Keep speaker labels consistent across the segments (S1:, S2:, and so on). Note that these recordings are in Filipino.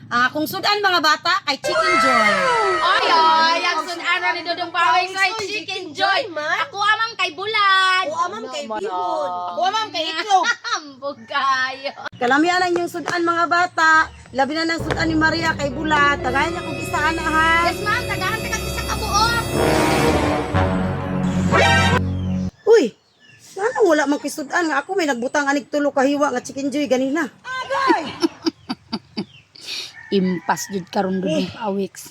S1: Kung sudan mga bata, kay Chicken Joy.
S2: Ay, ang sunan ni Dudong Pawing sa Chicken Joy. Ako amang kay Bulan.
S1: O amam kay Bihon. O amam kay Itlog.
S2: Ambog kayo.
S1: Kalamihan lang yung sudan mga bata. Labi na ng sudan ni Maria kay Bulat. Tagayan niya kung isaan na ha.
S2: Yes, ma'am. Tagahan ka isa ka buok.
S1: Uy, sana wala mang kisudan nga ako may nagbutang anig tulo kahiwa nga Chicken Joy ganina.
S2: Impas jud karon Dudong Pawiks.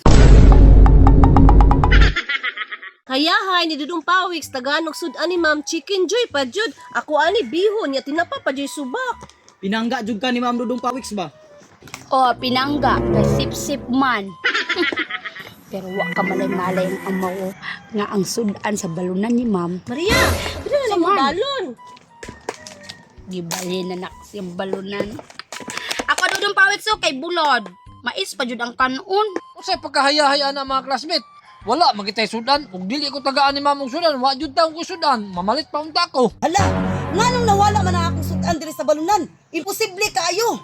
S3: Kaya hay ni Dudong Pawiks taganog sudan ni Ma'am Chicken Joy pa jud. Ako ani bihon ya tinapa pa joy subak.
S4: Pinangga jud ka ni Ma'am Dudong Pawiks ba?
S2: O, pinangga. Kay sip-sip man. Pero wa ka malay-malay ang amaw nga ang sudan sa balunan ni ma'am.
S3: Maria, bila na mo
S2: Ma'am.
S3: balon.
S2: Gibali na nak siyang balunan. Ako Dudong Pawiks so kay Bulod. Mais pa jud ang kanon.
S5: Unsay pagkahaya-hayaan ang mga classmate? Wala magitay sudan. Ug dili ko tagaan ni mamong sudan, wa jud taong ko sudan. Mamalit pa unta ko.
S1: Hala, nganong nawala man ang akong sudan diri sa balunan? Imposible kaayo.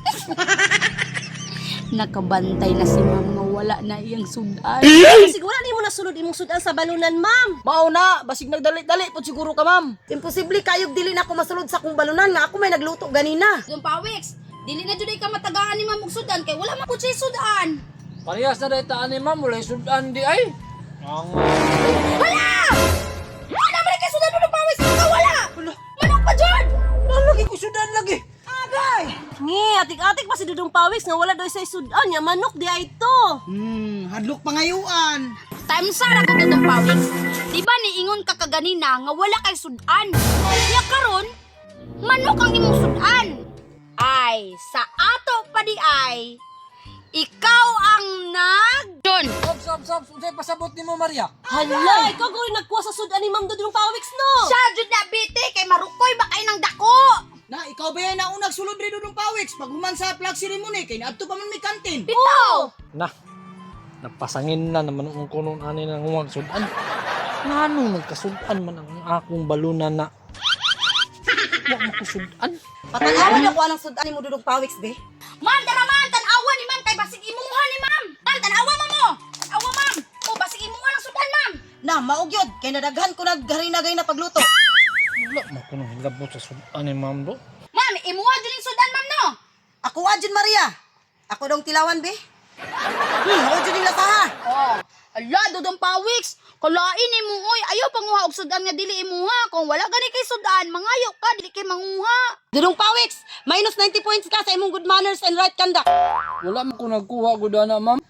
S2: Nakabantay na si ma'am nga wala na iyang sudan.
S3: Kasi wala ni mo nasunod imong sudan sa balunan, Ma'am.
S4: Mao na, basig nagdali-dali po siguro ka Ma'am.
S1: Imposible kayog dili na ako masulod sa akong balunan nga ako may nagluto ganina.
S2: Dudong Pawiks, dili na jud ka matagaan ni ma'am og sudan kay wala man pud siya sudan.
S5: Parehas na dayta ani ma'am, wala sudan di ay. Ang
S2: Wala! Wala man kay sudan Dudong Pawiks ka wala. Manok pa jud.
S4: Lagi ko sudan lagi.
S3: Ngi, atik-atik pa si Dudong Pawiks nga wala daw say sudan nya manok di ay to.
S4: Hadlok pangayuan.
S2: Time sara ka Dudong Pawiks. Di ba niingon ka kaganina nga wala kay sudan? Kaya karon, manok ang imong sudan. Ay, sa ato pa di ay, ikaw ang John.
S5: Sab, unsay pasabot nimo Maria?
S3: Hala, ikaw ko rin nagkuha sa sudan ni Ma'am Dudong Pawiks no.
S2: Siya jud na biti kay marukoy ba kay nang dako?
S4: Na, ikaw ba yan na unang sulod rin Dudong Pawiks? Pag human sa flag ceremony, kay naadto pa man may kantin.
S2: Bitaw.
S5: Na. Napasangin na naman ang kunon ani nang huwag sudan. Ngano nagkasudan man ang akong balunan na. Wa mo ko sudan.
S1: Patanawan ako anang sudan ni mo Dudong Pawiks be.
S2: Ma'am, tara ma'am, tanawa ni ma'am kay basig imuha ni ma'am. Ma'am, tanawa mo. Tanawa ma'am. O basig imuha ng sudan ma'am.
S1: Na, maugyod kay nadaghan ko nagharinagay na pagluto.
S5: Wala mo ko nang hilabot sa sudan ni ma'am do.
S2: Ma'am, imuha din yung sudan ma'am no.
S1: Ako adjun Maria. Ako dong tilawan be. Ako dyan yung lasaha.
S2: Oh, ala Dudong Pawiks. Kalain ni mo oy, ayaw panguha og sudan nga dili imuha. Kung wala gani kay sudan, mangayo ka dili kay manguha.
S1: Dudong Pawiks, minus 90 points ka sa imong good manners and right conduct.
S5: Wala mo ko nagkuha gud ana ma'am.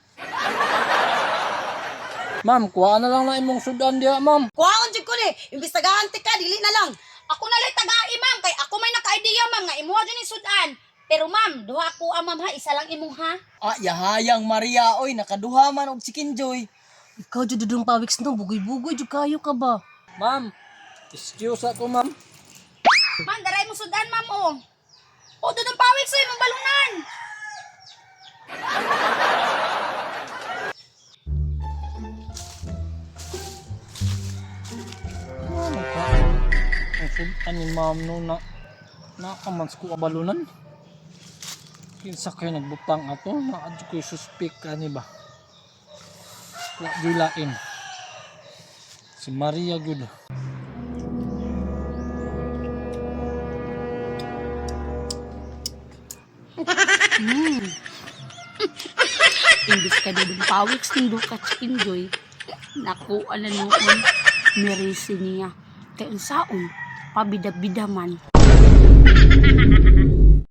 S5: Ma'am, kuha na lang na imong sudan diha ma'am.
S1: Kuhaon jud ko ni, imbis tagahanti ka, dili na lang.
S2: Ako na lang tagai ma'am kay ako may naka-idea ma'am nga imuha din yung sudan. Pero ma'am, duha ko ma'am ha, isa lang imuha.
S4: Yahayang Maria, oy, nakaduha man og Chicken Joy.
S3: Ikaw jud Dudong Pawiks no, bugoy-bugoy jud kayo ka ba?
S5: Ma'am, excuse ako ma'am.
S2: Ma'am, daray mo sudan ma'am o. O Dudong Pawiks sa imong balunan.
S5: Ang sudan ni ma'am no na nakamans ko balunan. Kinsa kay nagbutang ato na adyo ko suspect ani ba? Wa dilain. Si Maria gud.
S2: Imbis ka Dudong Pawiks nindo ka Chicken Joy. Naku, ano noon, mirisi niya. Kaya unsaon, pabida-bida man.